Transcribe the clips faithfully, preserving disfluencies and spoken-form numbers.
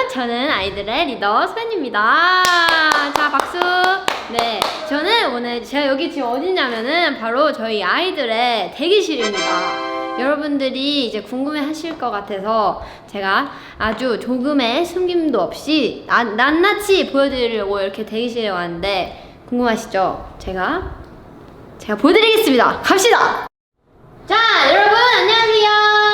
저는 아이들의 리더 소연입니다. 자, 박수. 네, 저는 오늘 제가 여기 지금 어디냐면은 바로 저희 아이들의 대기실입니다. 여러분들이 이제 궁금해 하실 것 같아서 제가 아주 조금의 숨김도 없이 나, 낱낱이 보여드리려고 이렇게 대기실에 왔는데 궁금하시죠? 제가 제가 보여드리겠습니다. 갑시다! 자, 여러분 안녕하세요.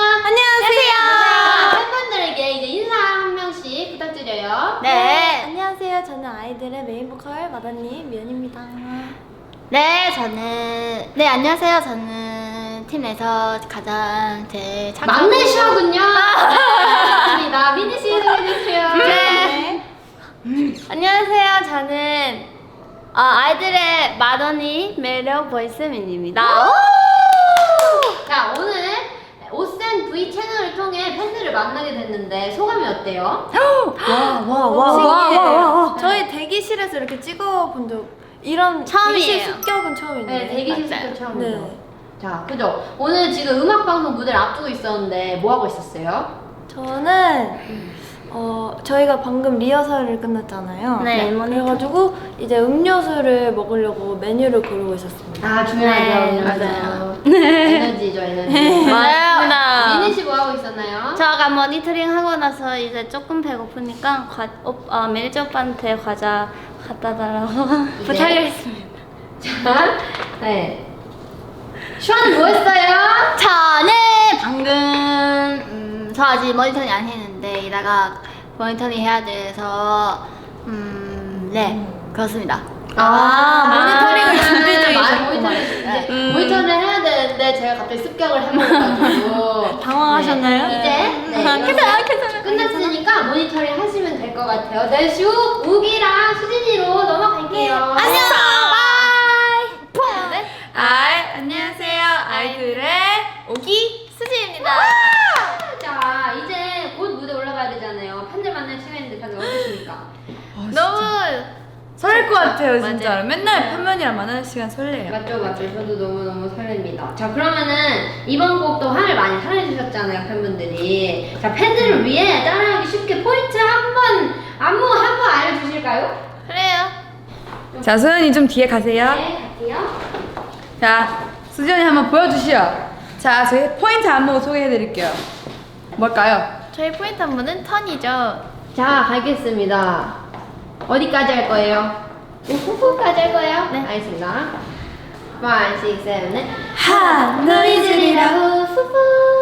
안녕하세요. 팬분들에게 이제 인사 한 명씩 부탁드려요. 네. 안녕하세요. 저는 아이들의 메인 보컬 마다님 미연입니다. 네, 저는 네 안녕하세요. 저는 팀 내에서 가장 제일 착하고 막내시군요. 네, 미니 씨 소개해주세요. 네. 안녕하세요. 저는 어, 아이들의 마더니 매력 보이스민입니다. 자, 오늘 오센 V 채널을 통해 팬들을 만나게 됐는데 소감이 어때요? 와와와와와 저희 대기실에서 이렇게 찍어본 적 이런 처음이에요. 대기실 습격은 처음인데. 네, 대기실 맞아요. 습격 처음이죠. 네. 자, 그죠? 오늘 지금 음악 방송 무대를 앞두고 있었는데 뭐 하고 있었어요? 저는 어 저희가 방금 리허설을 끝났잖아요. 네. 그래가지고 이제 음료수를 먹으려고 메뉴를 고르고 있었습니다. 아, 중요하죠. 네, 맞아요. 에너지죠, 에너지. 맞습니다. 미니 씨 뭐 하고 있었나요? 저 아까 모니터링 하고 나서 이제 조금 배고프니까 과, 오, 어, 매니저 오빠한테 과자 갖다 달라고 부탁했습니다. 자, 네. 슈아는 뭐 했어요? 저는 방금 음, 저 아직 모니터링 안 했는데 이따가 모니터링 해야 돼서 음, 네 그렇습니다. 아, 모니터링을 준비 중이셨구만. 모니터링 이제 음. 모니터링을 해야 되는데 제가 갑자기 습격을 해버려가지고 당황하셨나요? 네, 이제 네, 괜찮아, 이렇게 괜찮아, 끝났으니까 모니터링 하시면 될 것 같아요. 네, 슈 우기랑 수진이로 넘어갈게요. 안녕. 바이. 네? 아, 안녕하세요. 아이들의 오기 수지입니다. 자, 이제 곧 무대 올라가야 되잖아요. 팬들 만날 시간인데 다들 어떠십니까? 너무 설렐 것 같아요 진짜. 맞아요. 맨날 팬분이랑 만나는 시간 설레요. 맞죠, 맞죠. 저도 너무너무 설렙니다. 자, 그러면은 이번 곡도 화를 많이 사랑해주셨잖아요, 팬분들이. 자, 팬들을 위해 따라하기 쉽게 포인트 한 번, 안무 한 번 알려주실까요? 그래요. 자, 소연이 좀 뒤에 가세요. 네, 갈게요. 자, 수지언니 한번 보여주시오. 자, 저희 포인트 안무 소개해드릴게요. 뭘까요? 저희 포인트 한 번은 턴이죠. 자, 가겠습니다. 어디까지 할 거예요? 후후까지 할 거예요? 네. 알겠습니다. five, six, seven, eight. 하늘이 지리라고 후후,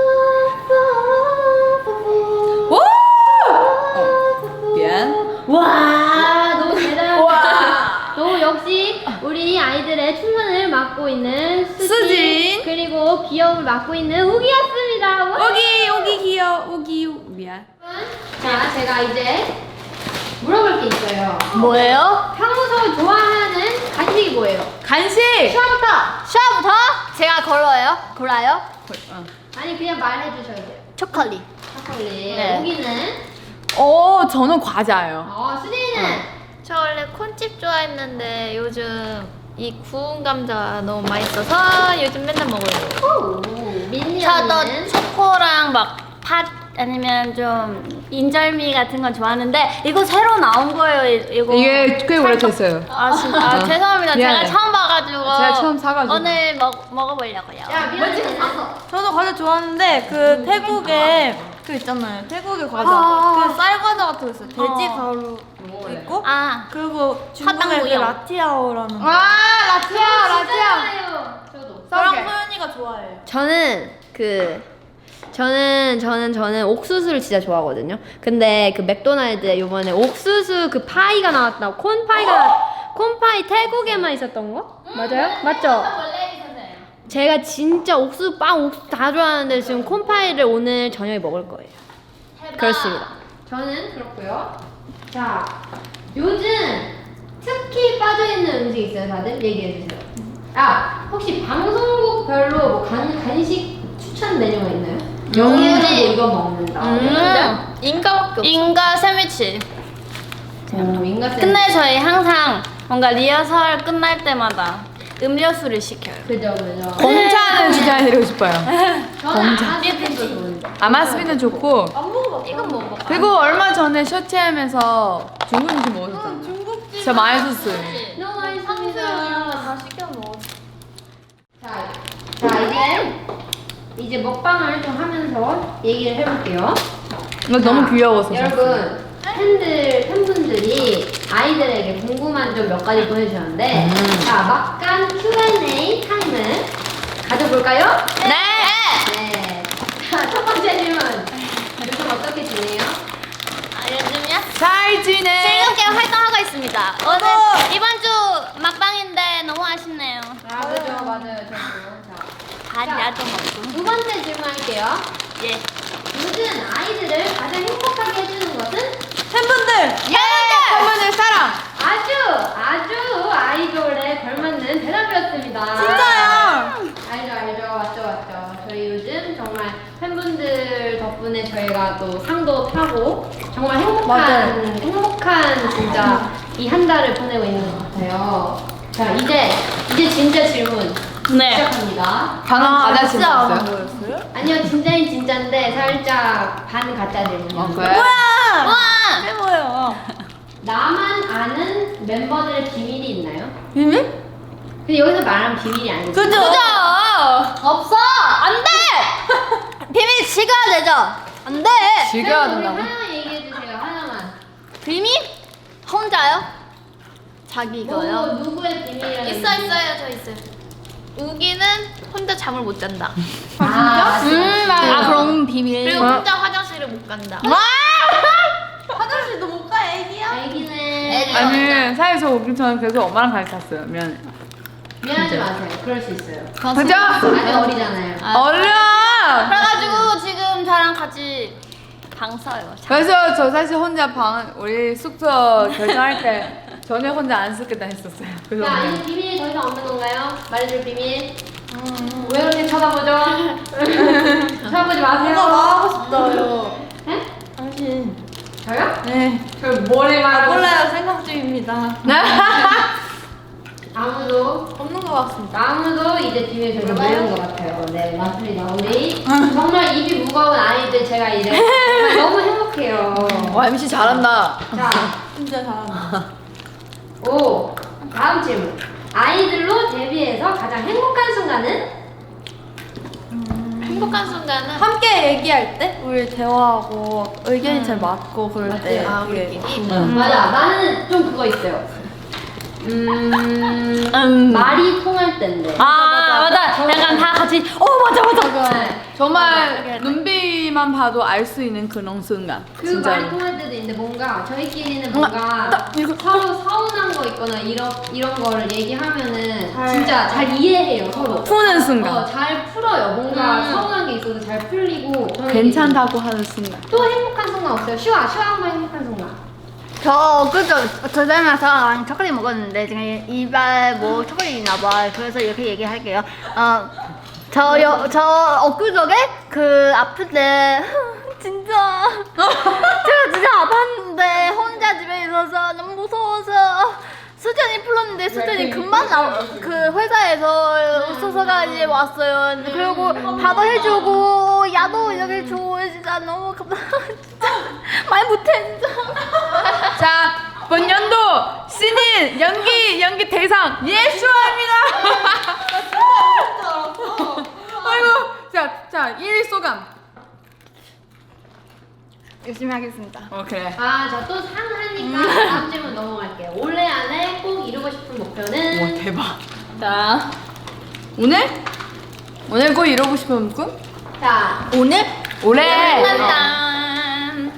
후후, 오! 후후. 미안. 와, 너무 대단하다. 또 역시 우리 아이들의 춤선을 맡고 있는 수진, 수진. 그리고 귀여움을 맡고 있는 우기였습니다. 와. 오기, 오기 귀여워. 오기, 미안. 자, 제가 이제 물어볼 게 있어요. 뭐예요? 평소 좋아하는 간식이 뭐예요? 간식! 슈아부터. 슈아부터 제가 걸어요. 골라요. 어. 아니, 그냥 말해 주셔야 돼요. 초콜릿. 초콜릿. 네. 우기는? 오, 저는 과자예요. 어, 수진이는? 저 원래 콘칩 좋아했는데 요즘 이 구운 감자 너무 맛있어서 요즘 맨날 먹어요. 오, 민니 저도 언니는? 초코랑 막 팥 아니면 좀 인절미 같은 건 좋아하는데 이거 새로 나온 거예요. 이- 이거 이게 꽤 오래됐어요. 아 진짜 아, 어. 죄송합니다. 미안해. 제가 처음 봐가지고 제가 처음 사가지고. 오늘 먹 먹어보려고요. 야, 민언니는? 저도 과자 좋아하는데 그 태국에 그 있잖아요. 태국의 과자. 아. 그 쌀 과자 같은 거 있어요. 돼지 어. 가루 있고 아 그리고 중국의 그 화당무용. 라티아오라는 거. 와, 라티아, 라티아. 좋아요. 저도. 저랑 썰게. 소연이가 좋아해요. 저는 그 저는 저는 저는 옥수수를 진짜 좋아하거든요. 근데 그 맥도날드에 요번에 옥수수 그 파이가 나왔다고 콘 파이가 나왔- 콘 파이 태국에만 있었던 거? 맞아요? 맞죠? 원래 있었어요. 제가 진짜 옥수수 빵 옥수수 다 좋아하는데 지금 콘 파이를 오늘 저녁에 먹을 거예요. 그렇습니다. 저는 그렇고요. 자, 요즘 특히 빠져있는 음식 있어요, 다들? 얘기해 주세요. 아, 혹시 방송국별로 뭐 간, 간식 추천 메뉴가 있나요? 영예는 뭐 이거 먹는다. 음. 인가밖에 없어. 인가 샌드위치. 오, 인가 샌드위치. 근데 저희 항상 뭔가 리허설 끝날 때마다 음료수를 시켜요. 그죠, 그죠. 공차는 추천해드리고 싶어요. 저는 아마스빈도 좋은데. 아마스비는 좋고 이건 뭐 먹어? 그리고 얼마 전에 셔츠햄에서 중국 음식 먹었잖아요. 중국집. 진짜 맛있었어요. 너무 맛있습니다. 다 시켜 먹었어. 자, 자 이제 이제 먹방을 좀 하면서 얘기를 해볼게요. 이거 너무 자, 귀여워서. 여러분 팬들 팬분들이 아이들에게 궁금한 점 몇 가지 보내주셨는데 음. 자 막간 큐 앤 에이 타임을 가져볼까요? 네. 네. 자 첫 번째 질문. 요즘 어떻게 지내요? 아, 요즘요? 잘 지내. 즐겁게 활동하고 있습니다. 오늘 이번 주 막방인데 너무 아쉽네요. 아 그죠 맞아요 저도. 자, 다 야동 없고. 두 번째 질문할게요. 예. 요즘 아이들을 가장 행복하게 해주는 것은 팬분들. 팬분들 사랑. 아주 아주 아이돌에 걸맞는 대답이었습니다. 진짜요? 알죠 알죠 맞죠 맞죠. 저희 요즘 정말 팬분들 덕분에 저희가 또 상도 타고 정말 행복한 맞아요. 행복한 진짜 이 한 달을 보내고 있는 것 같아요. 자 이제 이제 진짜 질문 네. 시작합니다. 방금 가자 진짜 안 질문이었어요? 보였어요? 아니요 진짜인 진짜인데 살짝 반 가짜 질문이에요. 어, 그래? 뭐야? 와! 최고예요. 나만 아는 멤버들의 비밀이 있나요? 비밀? 근데 여기서 말하면 비밀이 아니죠. 그죠? 그죠? 없어. 안 돼! 비밀 지켜야 되죠? 안 돼! 즐겨야 그럼 우리 된다고? 하나만 얘기해 주세요. 하나만. 비밀? 혼자요? 자기 뭐, 이거요? 누구의 비밀이라는 있어 있어요 저 있어요. 우기는 혼자 잠을 못 잔다. 아, 진짜? 음, 아 그럼 비밀. 그리고 어? 혼자 화장실을 못 간다. 화장실도 못 가, 애기야. 애기는 애기. 아니 사실 저 오기 전에 계속 엄마랑 같이 잤어요. 미안해. 미안하지 마세요. 그럴 수 있어요. 그죠? 아직 어리잖아요. 얼른! 그래가지고 지금 저랑 같이 방 써요. 그래서 저 사실 혼자 방 우리 숙소 결정할 때 전에 혼자 안 쓰겠다 했었어요. 그래서 자, 그냥 이제 비밀이 더 이상 없는 건가요? 말해줄 비밀. 왜 이렇게 쳐다보죠? 쳐다보지 마세요. 뭔가 말하고 싶다요. 네? 당신. 저요? 네. 저 뭐를 말하고 몰라요, 생각 중입니다. 아무도 없는 것 같습니다. 아무도 이제 비밀 별로 모르는 것 같아요. 네, 맞습니다. 우리 정말 입이 무거운 아이들 제가 이제 정말 너무 행복해요. 와 엠씨 잘한다. 자, 진짜 잘한다. 오 다음 질문. 아이들로 데뷔해서 가장 행복한 순간은? 행복한 순간은 함께 얘기할 때 우리 대화하고 의견이 잘 맞고 그럴 때 맞아요. 되게 응. 맞아, 나는 좀 그거 있어요. 음, 음. 말이 통할 때인데. 아 맞아. 약간 다 같이 어 맞아 맞아. 네. 정말 눈빛만 봐도 알 수 있는 그런 순간. 그 진짜로. 말이 통할 때도 있는데 뭔가 저희끼리는 뭔가 서로 서운한 거 있거나 이런 이런 거를 얘기하면은 진짜 잘 이해해요 서로. 푸는 순간. 어, 잘 풀어요. 뭔가 음. 서운한 게 있어도 잘 풀리고. 저희끼리. 괜찮다고 하는 순간. 또 행복한 순간 없어요? 슈아, 슈아 한번 행복한 순간. 저 그저 저 닮아서 초콜릿 먹었는데 지금 이발 뭐 초콜릿 있나 봐. 그래서 이렇게 얘기할게요. 어저저 엊그저께 그 아플 때 진짜 제가 진짜 아팠는데 혼자 집에 있어서 너무 무서워서 수전이 풀었는데 수전이 금방 나 그 회사에서 소서가 이제 왔어요. 그리고 밥도 해주고 야도 이렇게 줘. 진짜 너무 감사. 진짜 말 못해 진짜. 자, 본년도 신인 연기 연기 대상 예수아입니다. 아이고, 자, 자, 일 위 소감. 열심히 하겠습니다. 어 그래. 아, 저 또 상 하니까 다음 질문 넘어갈게요. 올해 안에 꼭 이루고 싶은 목표는? 와 대박. 자 오늘? 오늘 꼭 이루고 싶은 꿈? 자, 오늘 올해 짠.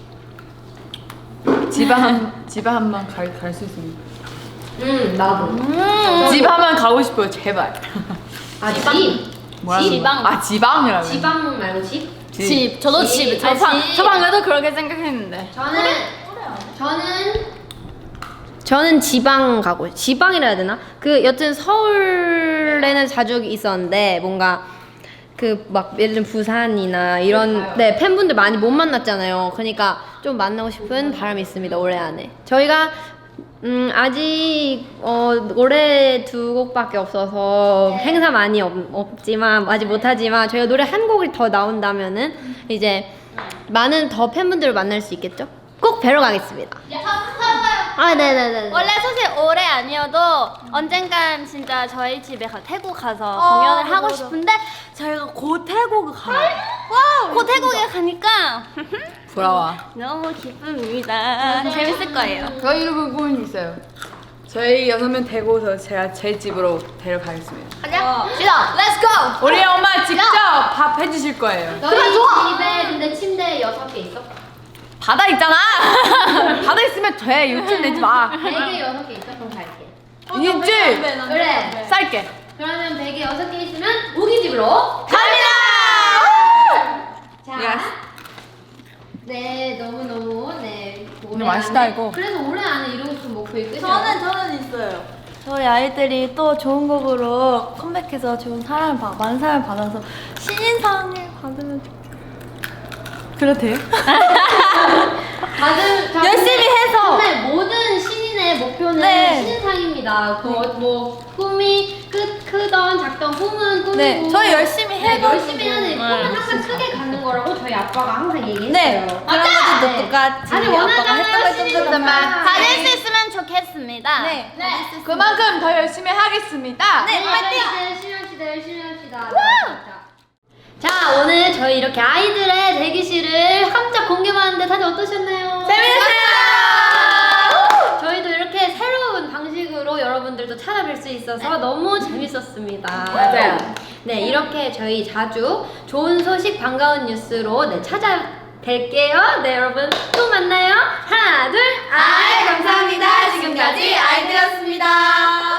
지방 지방 한번 갈 수 있으면. 음, 나도. 음. 집 한번 가고 싶어요 제발. 아, 집? 뭐라고? 지방. 아 지방이라고. 지방문 말고 집? 집. 저도 집. 집. 저, 아, 방, 집. 저 방금도 그렇게 생각했는데. 저는 저는 저는 지방 가고 지방이라 해야 되나? 그 여튼 서울에는 자주 있었는데 뭔가 그 막 예를 들면 부산이나 이런 네 팬분들 많이 못 만났잖아요. 그러니까 좀 만나고 싶은 바람이 있습니다 올해 안에. 저희가 음, 아직 어, 노래 두 곡밖에 없어서 행사 많이 없, 없지만 아직 못하지만 저희가 노래 한 곡이 더 나온다면은 이제 많은 더 팬분들을 만날 수 있겠죠? 꼭 뵈러 가겠습니다. 아, 네네네. 원래 사실 올해 아니어도 언젠간 진짜 저희 집에 가, 태국 가서 공연을 하고 싶은데 저희가 곧 태국 가요. 곧 태국에 가니까 부러워. 너무 기쁩니다. 재밌을 거예요. 저희 부분 있어요. 저희 여섯 명 데리고서 제가 제 집으로 데려가겠습니다. 가자. 시작. Let's go. 우리 엄마 직접 밥 해주실 거예요. 너희 집에 근데 침대 여섯 개 있어? 바다 있잖아. 바다 있으면 돼. 욕심 내지 마. 베개 여섯 개 있어? 그럼 갈게. 있지? 그래. 쌀게. 그러면 베개 여섯 개 있으면 우기집으로 갑니다. 자. Yes. 네, 너무 너무 네. 올해 맛있다, 안에- 이거. 그래서 올해 안에 이루고 싶은 목표 있으세요? 저는 저는 있어요. 저희 아이들이 또 좋은 곡으로 컴백해서 좋은 사랑을 받, 많은 사랑을 받아서 신인상을 받으면 좋겠어요. 그래도 돼요? 다들 다 열심히 근데- 해서. 근데 모든 신인의 목표는 네. 신인상입니다. 그 뭐 꿈이 크, 크던 작던 꿈은 꿈이고. 네, 저희 열심히 네, 해가지고. 열심히 하는 꿈은 항상 크게 가는 거라고 저희 아빠가 항상 얘기했어요. 네, 그런 것도 네. 똑같이 아니, 아빠가 원하잖아요, 했던 걸 신인 좀 정말. 받을 수 있으면 좋겠습니다. 네. 그만큼 더 열심히 하겠습니다. 네, 파이팅! 열심히 합시다, 열심히 합시다. 자, 오늘 저희 이렇게 아이들의 대기실을 함께 공개받았는데 다들 어떠셨나요? 재밌었어요! 저희도 이렇게 새로운 방식으로 여러분들도 찾아뵐 수 있어서 너무 재밌었습니다. 맞아요. 네, 이렇게 저희 자주 좋은 소식, 반가운 뉴스로 네, 찾아뵐게요. 네, 여러분 또 만나요. 하나, 둘, 아이, 감사합니다. 지금까지 아이들이었습니다.